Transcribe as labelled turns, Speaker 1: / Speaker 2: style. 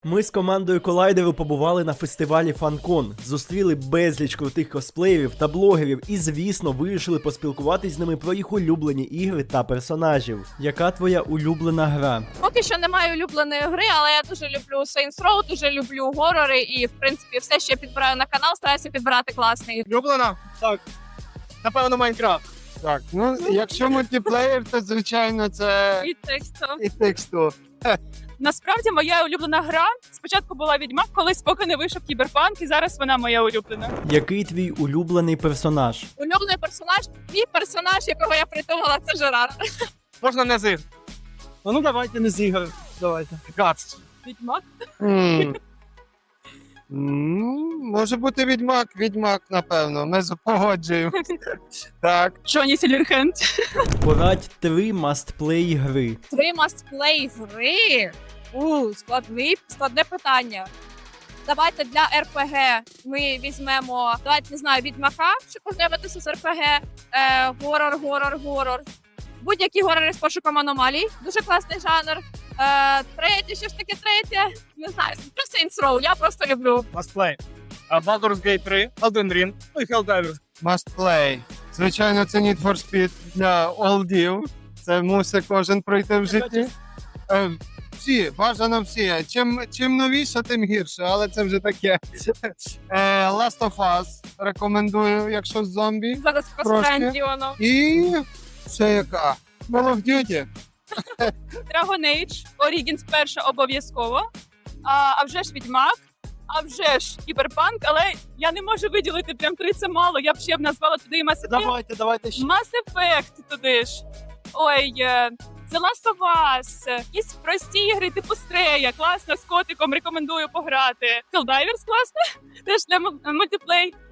Speaker 1: Ми з командою Колайдеру побували на фестивалі FanCon, зустріли безліч крутих косплеєрів та блогерів і, звісно, вирішили поспілкуватись з ними про їх улюблені ігри та персонажів. Яка твоя улюблена гра?
Speaker 2: Поки що немає улюбленої гри, але я дуже люблю Saints Row, дуже люблю горори і, в принципі, все, що я підбираю на канал, стараюся підбирати класний.
Speaker 3: Улюблена? Так. Напевно, Майнкрафт.
Speaker 4: Так, ну якщо мультиплеєр, то звичайно це
Speaker 2: І текстом.
Speaker 4: і тексту.
Speaker 2: Насправді моя улюблена гра спочатку була Відьмак, колись поки не вийшов Кіберпанк, і зараз вона моя улюблена.
Speaker 1: Який твій улюблений персонаж?
Speaker 2: Улюблений персонаж, мій персонаж, якого я придумала, це Жерар.
Speaker 3: Можна не з ігр.
Speaker 4: Ну давайте не з ігор. Давайте.
Speaker 3: Гац.
Speaker 2: Відьмак?
Speaker 4: Ну, може бути відьмак, напевно. Ми погоджуємо. Так.
Speaker 2: Джоні Сілверхенд.
Speaker 1: Порадь 3 мастплей гри.
Speaker 2: 3 мастплей гри. Складне питання. Давайте для РПГ ми візьмемо, давайте, не знаю, Відьмака, щоб познайомитися з РПГ, горор. Будь-які горори з пошуком аномалій. Дуже класний жанр. Третє, що ж таке третє? Не знаю, це Saints Row, я просто люблю.
Speaker 3: Must Baldur's Gate 3, Elden Ring, ну і Helldivers.
Speaker 4: Must play. Звичайно, це Need for Speed для олдів. Це мусить кожен пройти в житті. Всі, бажано всі. Чим новіше, тим гірше, але це вже таке. Last of Us рекомендую, якщо з зомбі.
Speaker 2: Зараз
Speaker 4: Трошки.
Speaker 2: Кострендіоно.
Speaker 4: І ще яка? Call of Duty.
Speaker 2: Dragon Age, Origins перша обов'язково. А вже ж Відьмак, а вже ж Кіберпанк, але я не можу виділити прям 3, це мало. Я б ще назвала туди і Mass Effect.
Speaker 4: Давайте ще.
Speaker 2: Mass Effect туди ж. Ой, The Last of Us, якісь прості ігри типу Стрея, класно, з котиком, рекомендую пограти. Helldivers класно, теж для мультиплей.